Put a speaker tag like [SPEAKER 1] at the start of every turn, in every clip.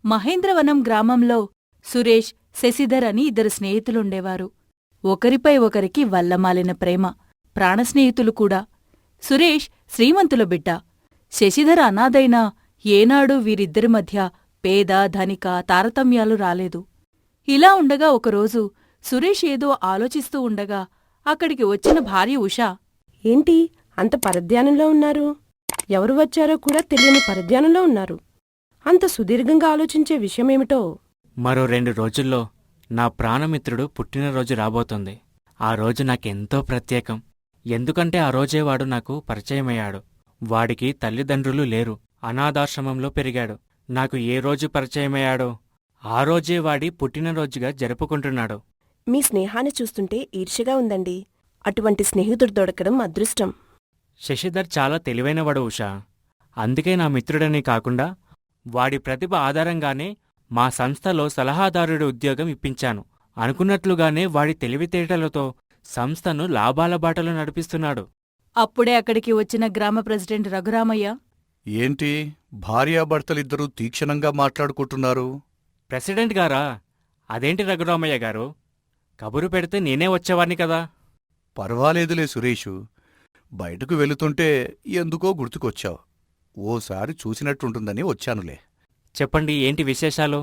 [SPEAKER 1] మహేంద్రవనం గ్రామంలో సురేష్, శశిధర్ అని ఇద్దరు స్నేహితులుండేవారు. ఒకరిపై ఒకరికి వల్లమాలిన ప్రేమ, ప్రాణస్నేహితులు కూడా. సురేష్ శ్రీమంతుల బిడ్డ. శశిధర్ అనాథైనా ఏనాడూ వీరిద్దరి మధ్య పేద ధనిక తారతమ్యాలు రాలేదు. ఇలా ఉండగా ఒకరోజు సురేష్ ఏదో ఆలోచిస్తూ ఉండగా అక్కడికి వచ్చిన భార్య ఉషా,
[SPEAKER 2] ఏంటి అంత పరధ్యానంలో ఉన్నారు? ఎవరు వచ్చారో కూడా తెలియని పరధ్యానంలో ఉన్నారు. అంత సుదీర్ఘంగా ఆలోచించే విషయమేమిటో?
[SPEAKER 3] మరో 2 రోజుల్లో నా ప్రాణమిత్రుడు పుట్టినరోజు రాబోతుంది. ఆ రోజు నాకెంతో ప్రత్యేకం. ఎందుకంటే ఆ రోజే వాడు నాకు పరిచయమయ్యాడు. వాడికి తల్లిదండ్రులు లేరు. అనాథాశ్రమంలో పెరిగాడు. నాకు ఏ రోజు పరిచయమయ్యాడో ఆ రోజే వాడి పుట్టినరోజుగా జరుపుకుంటున్నాడు.
[SPEAKER 2] మీ స్నేహాన్ని చూస్తుంటే ఈర్ష్యగా ఉందండి. అటువంటి స్నేహితుడు దొరకడం అదృష్టం.
[SPEAKER 3] శశిధర్ చాలా తెలివైనవాడు ఉషా. అందుకే నా మిత్రుడని కాకుండా వాడి ప్రతిభ ఆధారంగానే మా సంస్థలో సలహాదారుడి ఉద్యోగం ఇప్పించాను. అనుకున్నట్లుగానే వాడి తెలివితేటలతో సంస్థను లాభాల బాటలో నడిపిస్తున్నాడు.
[SPEAKER 1] అప్పుడే అక్కడికి వచ్చిన గ్రామ ప్రెసిడెంట్ రఘురామయ్య,
[SPEAKER 4] ఏంటి భార్యాభర్తలిద్దరూ తీక్షణంగా మాట్లాడుకుంటున్నారు?
[SPEAKER 3] ప్రెసిడెంట్ గారా? అదేంటి రఘురామయ్య గారు, కబురు పెడితే నేనే వచ్చేవాణ్ణి కదా.
[SPEAKER 4] పర్వాలేదులే సురేషు, బయటకు వెళుతుంటే ఎందుకో గుర్తుకొచ్చావు. ఓసారి చూసినట్టుంటుందని వచ్చానులే.
[SPEAKER 3] చెప్పండి, ఏంటి విశేషాలు?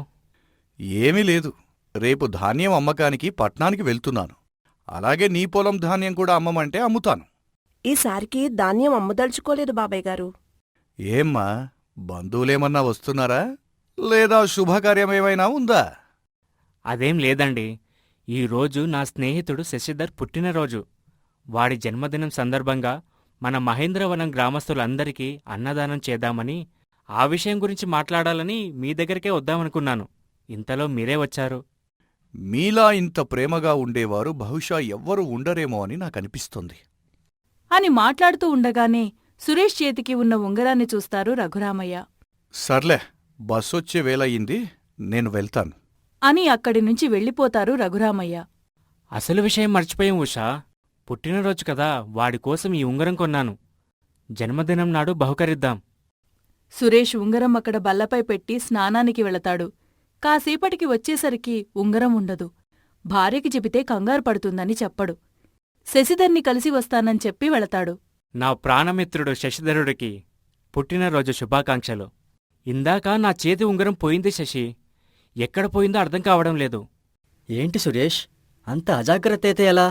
[SPEAKER 4] ఏమీ లేదు. రేపు ధాన్యం అమ్మకానికి పట్నానికి వెళ్తున్నాను. అలాగే నీ పొలం ధాన్యం కూడా అమ్మమంటే అమ్ముతాను.
[SPEAKER 2] ఈసారికి ధాన్యం అమ్మదలుచుకోలేదు బాబాయ్ గారు.
[SPEAKER 4] ఏమ్మా, బంధువులేమన్నా వస్తున్నారా? లేదా శుభకార్యమేమైనా ఉందా?
[SPEAKER 3] అదేం లేదండి. ఈరోజు నా స్నేహితుడు శశిధర్ పుట్టినరోజు. వాడి జన్మదినం సందర్భంగా మన మహేంద్రవనం గ్రామస్తులందరికీ అన్నదానం చేద్దామని, ఆ విషయం గురించి మాట్లాడాలని మీ దగ్గరికే వద్దామనుకున్నాను. ఇంతలో మీరే వచ్చారు.
[SPEAKER 4] మీలా ఇంత ప్రేమగా ఉండేవారు బహుశా ఎవ్వరూ ఉండరేమో అని నాకనిపిస్తుంది
[SPEAKER 1] అని మాట్లాడుతూ ఉండగానే సురేష్ చేతికి ఉన్న ఉంగరాన్ని చూస్తారు రఘురామయ్య.
[SPEAKER 4] సర్లే, బస్సొచ్చే వేళయింది, నేను వెళ్తాను
[SPEAKER 1] అని అక్కడి నుంచి వెళ్ళిపోతారు రఘురామయ్య.
[SPEAKER 3] అసలు విషయం మర్చిపోయాం ఉషా. పుట్టినరోజు కదా, వాడికోసం ఈ ఉంగరం కొన్నాను. జన్మదినం నాడు బహుకరిద్దాం.
[SPEAKER 1] సురేష్ ఉంగరం అక్కడ బల్లపై పెట్టి స్నానానికి వెళతాడు. కాసేపటికి వచ్చేసరికి ఉంగరం ఉండదు. భార్యకి చెబితే కంగారు పడుతుందని చెప్పడు. శశిధర్ని కలిసి వస్తానని చెప్పి వెళతాడు.
[SPEAKER 3] నా ప్రాణమిత్రుడు శశిధరుడికి పుట్టినరోజు శుభాకాంక్షలు. ఇందాక నా చేతి ఉంగరం పోయింది శశి. ఎక్కడ పోయిందో అర్థం కావడం లేదు.
[SPEAKER 5] ఏంటి సురేష్, అంత అజాగ్రత్త అయితే ఎలా?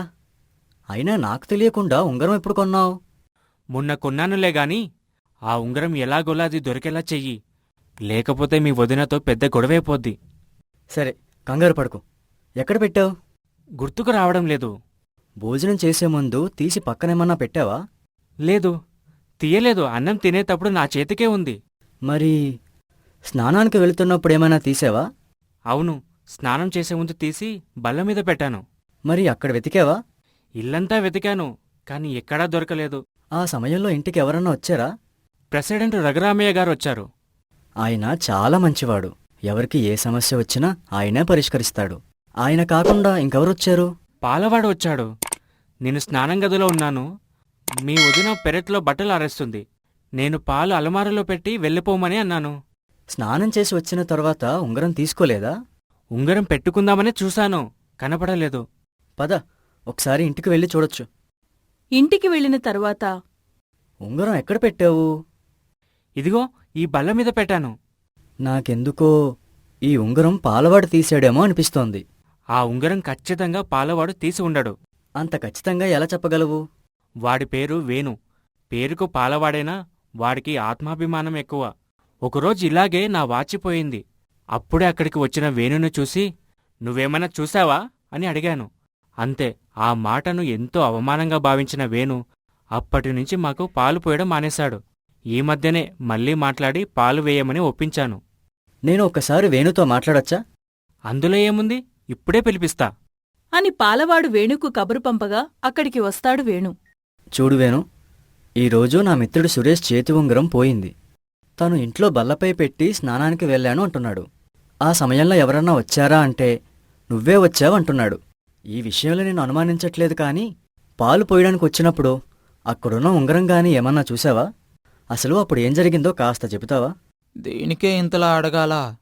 [SPEAKER 5] అయినా నాకు తెలియకుండా ఉంగరం ఎప్పుడు కొన్నావు?
[SPEAKER 3] మొన్న కొన్నానులే గాని ఆ ఉంగరం ఎలాగోలా అది దొరికేలా చెయ్యి. లేకపోతే మీ వదినతో పెద్ద గొడవైపోద్ది.
[SPEAKER 5] సరే, కంగారు పడుకు. ఎక్కడ పెట్టావు?
[SPEAKER 3] గుర్తుకు రావడం లేదు.
[SPEAKER 5] భోజనం చేసే ముందు తీసి పక్కనేమన్నా పెట్టావా?
[SPEAKER 3] లేదు, తీయలేదు. అన్నం తినేటప్పుడు నా చేతికే ఉంది.
[SPEAKER 5] మరి స్నానానికి వెళుతున్నప్పుడేమైనా తీసావా?
[SPEAKER 3] అవును, స్నానం చేసే ముందు తీసి బల్లమీద పెట్టాను.
[SPEAKER 5] మరి అక్కడ వెతికావా?
[SPEAKER 3] ఇల్లంతా వెతికాను, కాని ఎక్కడా దొరకలేదు.
[SPEAKER 5] ఆ సమయంలో ఇంటికి ఎవరన్నా వచ్చారా?
[SPEAKER 3] ప్రెసిడెంట్ రఘురామయ్య గారు వచ్చారు.
[SPEAKER 5] ఆయన చాలా మంచివాడు. ఎవరికి ఏ సమస్య వచ్చినా ఆయనే పరిష్కరిస్తాడు. ఆయన కాకుండా ఇంకెవరొచ్చారు?
[SPEAKER 3] పాలవాడు వచ్చాడు. నేను స్నానం గదిలో ఉన్నాను. మీ వదిన పెరట్లో బట్టలు ఆరేస్తుంది. నేను పాలు అలమారలో పెట్టి వెళ్ళిపోమని అన్నాను.
[SPEAKER 5] స్నానం చేసి వచ్చిన తర్వాత ఉంగరం తీసుకోలేదా?
[SPEAKER 3] ఉంగరం పెట్టుకుందామని చూశాను, కనపడలేదు.
[SPEAKER 5] పద, ఒకసారి ఇంటికి వెళ్ళి చూడొచ్చు.
[SPEAKER 1] ఇంటికి వెళ్ళిన తరువాత,
[SPEAKER 5] ఉంగరం ఎక్కడ పెట్టావు?
[SPEAKER 3] ఇదిగో ఈ బల్ల మీద పెట్టాను.
[SPEAKER 5] నాకెందుకో ఈ ఉంగరం పాలవాడు తీశాడేమో అనిపిస్తోంది.
[SPEAKER 3] ఆ ఉంగరం ఖచ్చితంగా పాలవాడు తీసి ఉండడు.
[SPEAKER 5] అంత ఖచ్చితంగా ఎలా చెప్పగలవు?
[SPEAKER 3] వాడి పేరు వేణు. పేరుకు పాలవాడైనా వాడికి ఆత్మాభిమానం ఎక్కువ. ఒకరోజు ఇలాగే నా వాచిపోయింది. అప్పుడే అక్కడికి వచ్చిన వేణును చూసి, నువ్వేమన్నా చూశావా అని అడిగాను. అంతే. ఆ మాటను ఎంతో అవమానంగా భావించిన వేణు అప్పటినుంచి మాకు పాలు పోయడం మానేశాడు. ఈ మధ్యనే మళ్ళీ మాట్లాడి పాలు వేయమని ఒప్పించాను.
[SPEAKER 5] నేను ఒక్కసారి వేణుతో మాట్లాడొచ్చా?
[SPEAKER 3] అందులో ఏముంది, ఇప్పుడే పిలిపిస్తా
[SPEAKER 1] అని పాలవాడు వేణుకు కబురు పంపగా అక్కడికి వస్తాడు వేణు.
[SPEAKER 5] చూడు వేణు, ఈరోజు నా మిత్రుడు సురేష్ చేతి ఉంగరం పోయింది. తను ఇంట్లో బల్లపై పెట్టి స్నానానికి వెళ్ళాను అంటున్నాడు. ఆ సమయంలో ఎవరన్నా వచ్చారా అంటే నువ్వే వచ్చావంటున్నాడు. ఈ విషయంలో నేను అనుమానించట్లేదు, కానీ పాలు పోయడానికి వచ్చినప్పుడు అక్కడున్న ఉంగరంగాని ఏమన్నా చూసావా? అసలు అప్పుడు ఏం జరిగిందో కాస్త చెబుతావా?
[SPEAKER 6] దీనికే ఇంతలా అడగాలా?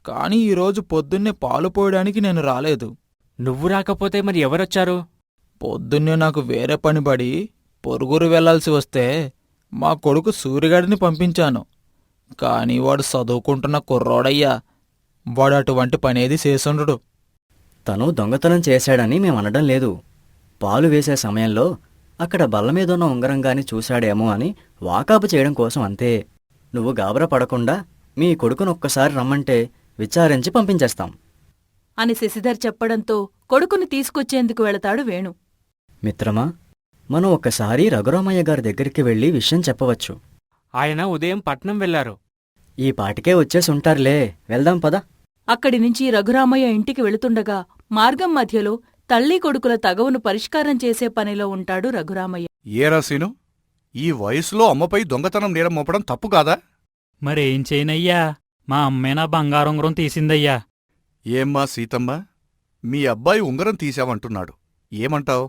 [SPEAKER 6] కానీ ఈరోజు పొద్దున్నే పాలు పోయడానికి నేను రాలేదు.
[SPEAKER 3] నువ్వు రాకపోతే మరి ఎవరొచ్చారు?
[SPEAKER 6] పొద్దున్నే నాకు వేరే పని పడి పొరుగురు వెళ్లాల్సి వస్తే మా కొడుకు సూర్యగాడిని పంపించాను. కాని వాడు చదువుకుంటున్న కుర్రోడయ్యా. వాడు అటువంటి పనేది చేసుండడు.
[SPEAKER 5] తను దొంగతనం చేశాడని మేమనడం లేదు. పాలు వేసే సమయంలో అక్కడ బల్లమీదున్న ఉంగరంగాని చూశాడేమో అని వాకాపు చేయడం కోసం అంతే. నువ్వు గాబరా పడకుండా మీ కొడుకునొక్కసారి రమ్మంటే విచారించి పంపించేస్తాం.
[SPEAKER 1] అని శశిధర్ చెప్పడంతో కొడుకుని తీసుకొచ్చేందుకు వెళతాడు వేణు.
[SPEAKER 5] మిత్రమా, మనం ఒక్కసారి రఘురామయ్య గారి దగ్గరికి వెళ్ళి విషయం చెప్పవచ్చు.
[SPEAKER 3] ఆయన ఉదయం పట్నం వెళ్లారు.
[SPEAKER 5] ఈ పాటికే వచ్చేసుంటారులే, వెళ్దాం పద.
[SPEAKER 1] అక్కడి నుంచి రఘురామయ్య ఇంటికి వెళుతుండగా మార్గం మధ్యలో తల్లి కొడుకుల తగవును పరిష్కారం చేసే పనిలో ఉంటాడు రఘురామయ్య.
[SPEAKER 4] ఏరా సీను, ఈ వయసులో అమ్మపై దొంగతనం నేరం మోపడం తప్పు కాదా?
[SPEAKER 7] మరేం చేయనయ్యా, మా అమ్మే నా బంగారుంగరం తీసిందయ్యా.
[SPEAKER 4] ఏమ్మా సీతమ్మ, మీ అబ్బాయి ఉంగరం తీశావంటున్నాడు, ఏమంటావ్?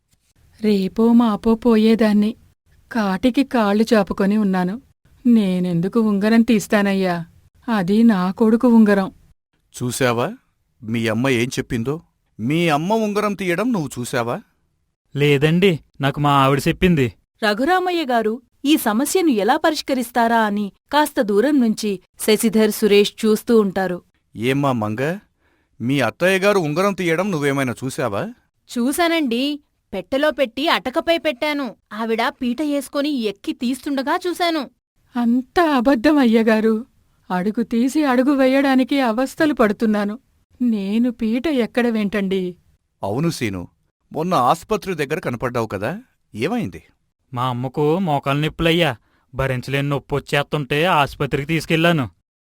[SPEAKER 8] రేపో మాపో పోయేదాన్ని. కాటికి కాళ్ళు చాపుకొని ఉన్నాను. నేనెందుకు ఉంగరం తీస్తానయ్యా? అది నా కొడుకు ఉంగరం.
[SPEAKER 4] చూశావా మీ అమ్మ ఏం చెప్పిందో? మీ అమ్మ ఉంగరం తీయడం నువ్వు చూశావా?
[SPEAKER 7] లేదండి, నాకు మా ఆవిడ చెప్పింది.
[SPEAKER 1] రఘురామయ్య గారు ఈ సమస్యను ఎలా పరిష్కరిస్తారా అని కాస్త దూరం నుంచి శశిధర్, సురేష్ చూస్తూ ఉంటారు.
[SPEAKER 4] ఏమ్మా మంగ, మీ అత్తయ్యగారు ఉంగరం తీయడం నువ్వేమైనా చూశావా?
[SPEAKER 9] చూశానండి. పెట్టెలో పెట్టి అటకపై పెట్టాను. ఆవిడ పీట వేసుకుని ఎక్కి తీస్తుండగా చూశాను.
[SPEAKER 8] అంతా అబద్ధం అయ్యగారు. అడుగు తీసి అడుగు వెయ్యడానికి అవస్థలు పడుతున్నాను. నేను పీట ఎక్కడ వెంటండి?
[SPEAKER 4] అవును సీను, మొన్న ఆస్పత్రి దగ్గర కనపడ్డావు కదా, ఏమైంది?
[SPEAKER 7] మా అమ్మకు మోకాలు నొప్పులయ్యా. భరించలేని నొప్పి వచ్చేస్తుంటే ఆసుపత్రికి తీసుకెళ్లాను.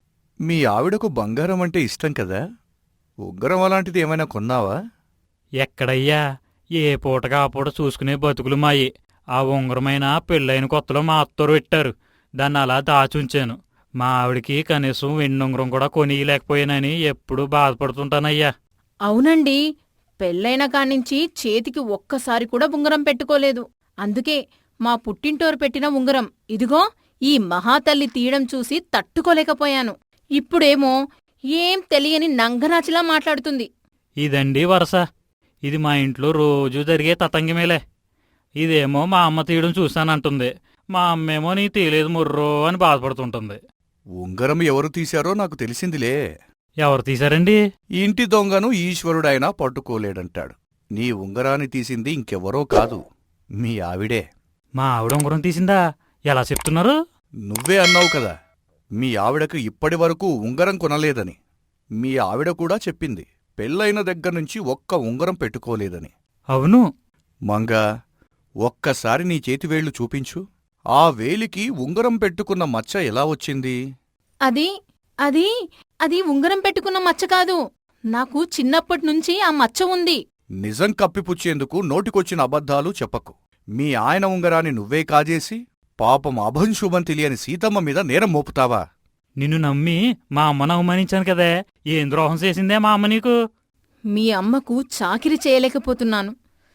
[SPEAKER 4] మీ ఆవిడకు బంగారం అంటే ఇష్టం కదా, ఉంగరం అలాంటిది ఏమైనా కొన్నావా?
[SPEAKER 7] ఎక్కడయ్యా, ఏ పూటగా ఆ పూట చూసుకునే బతుకులు మాయి. ఆ ఉంగరమైన పెళ్ళైన కొత్తలో మా అత్తోరు పెట్టారు. దాన్ని అలా దాచుంచాను. మా ఆవిడికి కనీసం వెన్నుంగరం కూడా కొనియలేకపోయానని ఎప్పుడూ బాధపడుతుంటానయ్యా.
[SPEAKER 9] అవునండి, పెళ్ళైన కానించి చేతికి ఒక్కసారి కూడా ఉంగరం పెట్టుకోలేదు. అందుకే మా పుట్టింటోరు పెట్టిన ఉంగరం ఇదిగో ఈ మహాతల్లి తీయడం చూసి తట్టుకోలేకపోయాను. ఇప్పుడేమో ఏం తెలియని నంగనాచిలా మాట్లాడుతుంది.
[SPEAKER 7] ఇదండి వరస. ఇది మా ఇంట్లో రోజూ జరిగే తతంగిమేలే. ఇదేమో మా అమ్మ తీయడం చూశానంటుంది. మా అమ్మేమో నీ తీయలేదు ముర్రో అని బాధపడుతుంటుంది.
[SPEAKER 4] ఉంగరం ఎవరు తీశారో నాకు తెలిసిందిలే.
[SPEAKER 7] ఎవరు తీశారండి?
[SPEAKER 4] ఇంటి దొంగను ఈశ్వరుడైనా పట్టుకోలేడంటాడు. నీ ఉంగరాన్ని తీసింది ఇంకెవరో కాదు, మీ ఆవిడే.
[SPEAKER 7] మా ఆవిడ ఉంగరం తీసిందా? ఎలా చెప్తున్నారు?
[SPEAKER 4] నువ్వే అన్నావు కదా, మీ ఆవిడకు ఇప్పటివరకు ఉంగరం కొనలేదని. మీ ఆవిడ కూడా చెప్పింది, పెళ్ళైన దగ్గర్నుంచి ఒక్క ఉంగరం పెట్టుకోలేదని.
[SPEAKER 7] అవును.
[SPEAKER 4] మంగా, ఒక్కసారి నీ చేతివేళ్లు చూపించు. ఆ వేలికి ఉంగరం పెట్టుకున్న మచ్చ ఎలా వచ్చింది?
[SPEAKER 9] అది అది అది ఉంగరం పెట్టుకున్న మచ్చ కాదు. నాకు చిన్నప్పటినుంచి ఆ మచ్చ ఉంది.
[SPEAKER 4] నిజం కప్పిపుచ్చేందుకు నోటికొచ్చిన అబద్ధాలు చెప్పకు. మీ ఆయన ఉంగరాన్ని నువ్వే కాజేసి పాపం అభంశుభం తెలియని సీతమ్మ మీద నేరం మోపుతావా?
[SPEAKER 7] నిన్ను నమ్మి మా అమ్మను అవమానించాను కదే, ఏం ద్రోహం చేసిందే మా అమ్మ నీకు?
[SPEAKER 9] మీ అమ్మకు చాకిరి చేయలేకపోతున్నాను.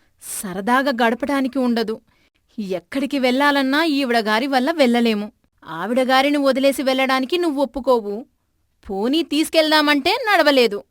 [SPEAKER 9] సరదాగా గడపడానికి ఉండదు. ఎక్కడికి వెళ్లాలన్నా ఈవిడగారి వల్ల వెళ్ళలేము. ఆవిడగారిని వదిలేసి వెళ్లడానికి నువ్వొప్పుకోవు. పోనీ తీసుకెళ్దామంటే నడవలేదు.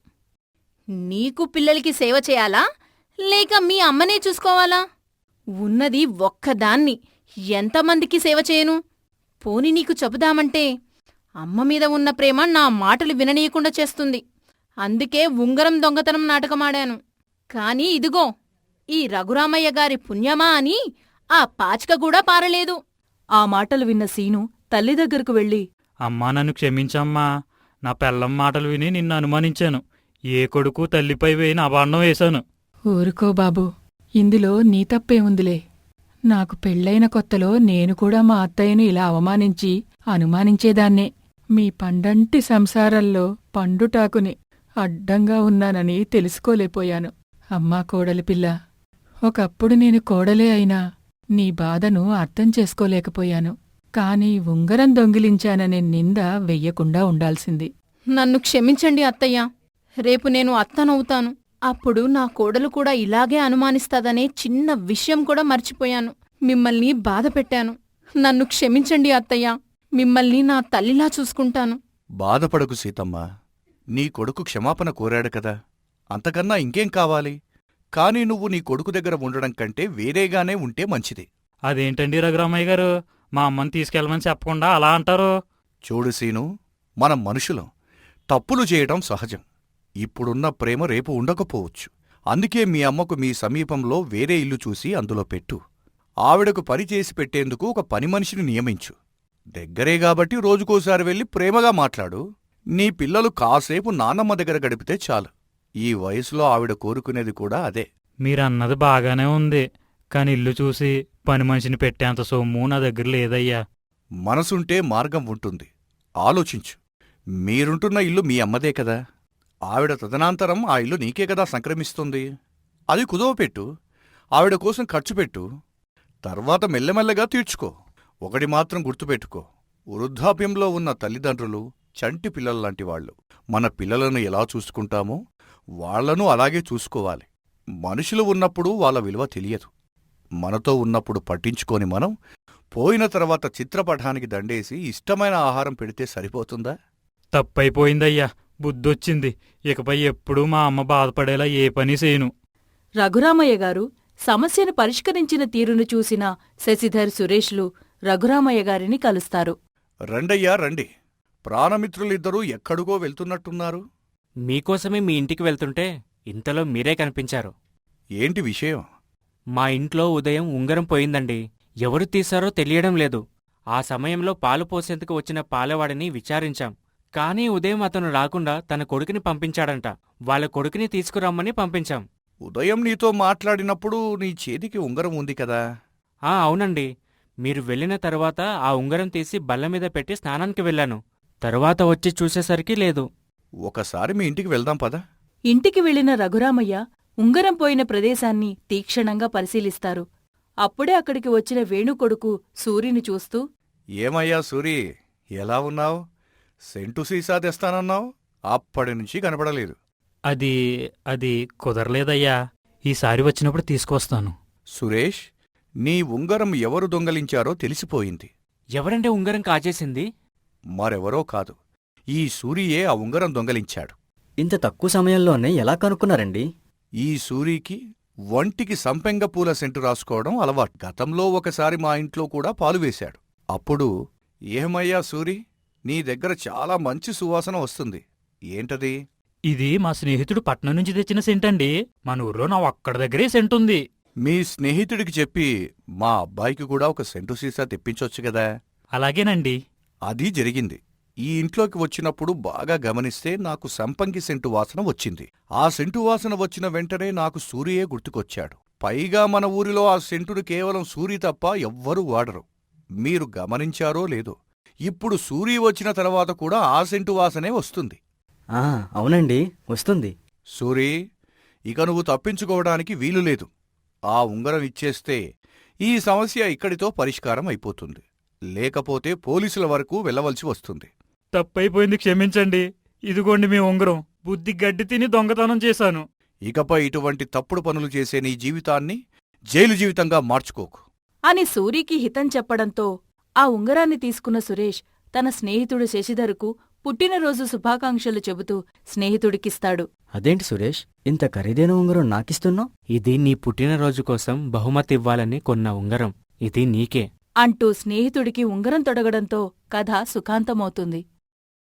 [SPEAKER 9] నీకు పిల్లలకి సేవ చేయాలా, లేక మీ అమ్మనే చూసుకోవాలా? ఉన్నది ఒక్కదాన్ని, ఎంతమందికి సేవ చేయను? పోనీ నీకు చెబుదామంటే అమ్మ మీద ఉన్న ప్రేమ నా మాటలు విననీయకుండా చేస్తుంది. అందుకే ఉంగరం దొంగతనం నాటకమాడాను. కాని ఇదిగో ఈ రఘురామయ్య గారి పుణ్యమా అని ఆ పాచిక కూడా పారలేదు.
[SPEAKER 1] ఆ మాటలు విన్న సీను తల్లి దగ్గరకు వెళ్ళి,
[SPEAKER 7] అమ్మా నన్ను క్షమించమ్మా. నా పెళ్ళం మాటలు విని నిన్ను అనుమానించాను. ఏ కొడుకు తల్లిపై వేయిన అబాండం వేశాను.
[SPEAKER 8] ఊరుకో బాబూ, ఇందులో నీ తప్పే ఉందిలే. నాకు పెళ్ళైన కొత్తలో నేను కూడా మా అత్తయ్యను ఇలా అవమానించి అనుమానించేదాన్నే. మీ పండంటి సంసారంలో పండుటాకుని అడ్డంగా ఉన్నానని తెలుసుకోలేపోయాను. అమ్మా కోడలి పిల్ల, ఒకప్పుడు నేను కోడలే అయినా నీ బాధను అర్థం చేసుకోలేకపోయాను. కాని ఉంగరం దొంగిలించాననే నింద వెయ్యకుండా ఉండాల్సింది.
[SPEAKER 9] నన్ను క్షమించండి అత్తయ్య. రేపు నేను అత్తనవుతాను. అప్పుడు నా కోడలు కూడా ఇలాగే అనుమానిస్తాదనే చిన్న విషయం కూడా మర్చిపోయాను. మిమ్మల్ని బాధపెట్టాను. నన్ను క్షమించండి అత్తయ్య. మిమ్మల్ని నా తల్లిలా చూసుకుంటాను.
[SPEAKER 4] బాధపడకు సీతమ్మ, నీ కొడుకు క్షమాపణ కోరాడు కదా, అంతకన్నా ఇంకేం కావాలి? కాని నువ్వు నీ కొడుకు దగ్గర ఉండడం కంటే వేరేగానే ఉంటే మంచిది.
[SPEAKER 7] అదేంటండి రఘురామయ్య గారు, మా అమ్మని తీసుకెళ్ళమని చెప్పకుండా అలా అంటారు?
[SPEAKER 4] చూడు సీను, మనం మనుషులం, తప్పులు చేయడం సహజం. ఇప్పుడున్న ప్రేమ రేపు ఉండకపోవచ్చు. అందుకే మీ అమ్మకు మీ సమీపంలో వేరే ఇల్లు చూసి అందులో పెట్టు. ఆవిడకు పని చేసి పెట్టేందుకు ఒక పని మనిషిని నియమించు. దగ్గరే గాబట్టి రోజుకోసారి వెళ్ళి ప్రేమగా మాట్లాడు. నీ పిల్లలు కాసేపు నాన్నమ్మ దగ్గర గడిపితే చాలు. ఈ వయసులో ఆవిడ కోరుకునేది కూడా అదే.
[SPEAKER 7] మీరన్నది బాగానే ఉంది, కాని ఇల్లు చూసి పని మనిషిని పెట్టేంత సొమ్ము నా దగ్గర లేదయ్యా.
[SPEAKER 4] మనసుంటే మార్గం ఉంటుంది. ఆలోచించు. మీరుంటున్న ఇల్లు మీ అమ్మదే కదా. ఆవిడ తదనంతరం ఆ ఇల్లు నీకే కదా సంక్రమిస్తుంది. అది కుదవపెట్టు. ఆవిడ కోసం ఖర్చుపెట్టు. తర్వాత మెల్లమెల్లగా తీర్చుకో. ఒకటి మాత్రం గుర్తుపెట్టుకో, వృద్ధాప్యంలో ఉన్న తల్లిదండ్రులు చంటి పిల్లల్లాంటి వాళ్ళు. మన పిల్లలను ఎలా చూసుకుంటామో వాళ్లను అలాగే చూసుకోవాలి. మనుషులు ఉన్నప్పుడు వాళ్ళ విలువ తెలియదు. మనతో ఉన్నప్పుడు పట్టించుకోని మనం పోయిన తర్వాత చిత్రపటానికి దండేసి ఇష్టమైన ఆహారం పెడితే సరిపోతుందా?
[SPEAKER 7] తప్పైపోయిందయ్యా, బుద్ధొచ్చింది. ఇకపై ఎప్పుడూ మా అమ్మ బాధపడేలా ఏ పని చేయను.
[SPEAKER 1] రఘురామయ్య గారు సమస్యను పరిష్కరించిన తీరును చూసిన శశిధర్, సురేష్లు రఘురామయ్య గారిని కలుస్తారు.
[SPEAKER 4] రండయ్యా రండి. ప్రాణమిత్రులిద్దరూ ఎక్కడికో వెళ్తున్నట్టున్నారు.
[SPEAKER 3] మీకోసమే మీ ఇంటికి వెళ్తుంటే ఇంతలో మీరే కనిపించారు.
[SPEAKER 4] ఏంటి విషయం?
[SPEAKER 3] మా ఇంట్లో ఉదయం ఉంగరం పోయిందండి. ఎవరు తీశారో తెలియడం లేదు. ఆ సమయంలో పాలు పోసేందుకు వచ్చిన పాలవాడిని విచారించాం. కానీ ఉదయం అతను రాకుండా తన కొడుకుని పంపించాడంట. వాళ్ళ కొడుకుని తీసుకురమ్మని పంపించాం.
[SPEAKER 4] ఉదయం నీతో మాట్లాడినప్పుడు నీ చేతికి ఉంగరం ఉంది కదా?
[SPEAKER 3] అవునండి. మీరు వెళ్ళిన తరువాత ఆ ఉంగరం తీసి బల్లమీద పెట్టి స్నానానికి వెళ్ళాను. తరువాత వచ్చి చూసేసరికి లేదు.
[SPEAKER 4] ఒకసారి మీ ఇంటికి వెళ్దాం పద.
[SPEAKER 1] ఇంటికి వెళ్లిన రఘురామయ్య ఉంగరం పోయిన ప్రదేశాన్ని తీక్షణంగా పరిశీలిస్తారు. అప్పుడే అక్కడికి వచ్చిన వేణు కొడుకు సూరిని చూస్తూ,
[SPEAKER 4] ఏమయ్యా సూరి, ఎలా ఉన్నావు? సెంటు సీసా తెస్తానన్నావు, అప్పటినుంచి కనపడలేదు.
[SPEAKER 7] అది కుదరలేదయ్యా. ఈసారి వచ్చినప్పుడు తీసుకొస్తాను.
[SPEAKER 4] సురేష్, నీ ఉంగరం ఎవరు దొంగలించారో తెలిసిపోయింది.
[SPEAKER 3] ఎవరంటే ఉంగరం కాజేసింది?
[SPEAKER 4] మరెవరో కాదు, ఈ సూరియే ఆ ఉంగరం దొంగలించాడు.
[SPEAKER 5] ఇంత తక్కువ సమయంలోనే ఎలా కనుక్కున్నారండి?
[SPEAKER 4] ఈ సూరికి వంటికి సంపెంగ పూల సెంటు రాసుకోవడం అలవాటు. గతంలో ఒకసారి మా ఇంట్లో కూడా పాలు వేశాడు. అప్పుడు, ఏమయ్యా సూరి, నీ దగ్గర చాలా మంచి సువాసన వస్తుంది. ఏంటది?
[SPEAKER 7] ఇది మా స్నేహితుడు పట్నం నుంచి తెచ్చిన సెంటండి. మన ఊర్లో నా ఒక్కడి దగ్గరే సెంటుంది.
[SPEAKER 4] మీ స్నేహితుడికి చెప్పి మా అబ్బాయికి కూడా ఒక సెంటు సీసా తెప్పించొచ్చు కదా?
[SPEAKER 7] అలాగేనండి.
[SPEAKER 4] అది జరిగింది. ఈ ఇంట్లోకి వచ్చినప్పుడు బాగా గమనిస్తే నాకు సంపంగి సెంటు వాసన వచ్చింది. ఆ సెంటు వాసన వచ్చిన వెంటనే నాకు సూరియే గుర్తుకొచ్చాడు. పైగా మన ఊరిలో ఆ సెంటును కేవలం సూరి తప్ప ఎవ్వరూ వాడరు. మీరు గమనించారో లేదో, ఇప్పుడు సూరి వచ్చిన తర్వాత కూడా ఆ సెంటు వాసనే వస్తుంది.
[SPEAKER 5] అవునండి, వస్తుంది.
[SPEAKER 4] సూరి, ఇక నువ్వు తప్పించుకోవడానికి వీలులేదు. ఆ ఉంగరం ఇచ్చేస్తే ఈ సమస్య ఇక్కడితో పరిష్కారం అయిపోతుంది. లేకపోతే పోలీసుల వరకు వెళ్ళవలసి వస్తుంది.
[SPEAKER 7] తప్పైపోయింది, క్షమించండి. ఇదిగోండి మీ ఉంగరం. బుద్ధి గడ్డి తిని దొంగతనం చేశాను.
[SPEAKER 4] ఇకపై ఇటువంటి తప్పుడు పనులు చేసే నీ జీవితాన్ని జైలు జీవితంగా మార్చుకోకు
[SPEAKER 1] అని సూరికి హితం చెప్పడంతో ఆ ఉంగరాన్ని తీసుకున్న సురేష్ తన స్నేహితుడు శశిధర్కు పుట్టినరోజు శుభాకాంక్షలు చెబుతూ స్నేహితుడికిస్తాడు.
[SPEAKER 5] అదేంటి సురేష్, ఇంత ఖరీదైన ఉంగరం నాకిస్తున్నావు?
[SPEAKER 3] ఇది నీ పుట్టినరోజు కోసం బహుమతి ఇవ్వాలని కొన్న ఉంగరం. ఇది నీకే
[SPEAKER 1] అంటూ స్నేహితుడికి ఉంగరం తొడగడంతో కథ సుఖాంతమవుతుంది.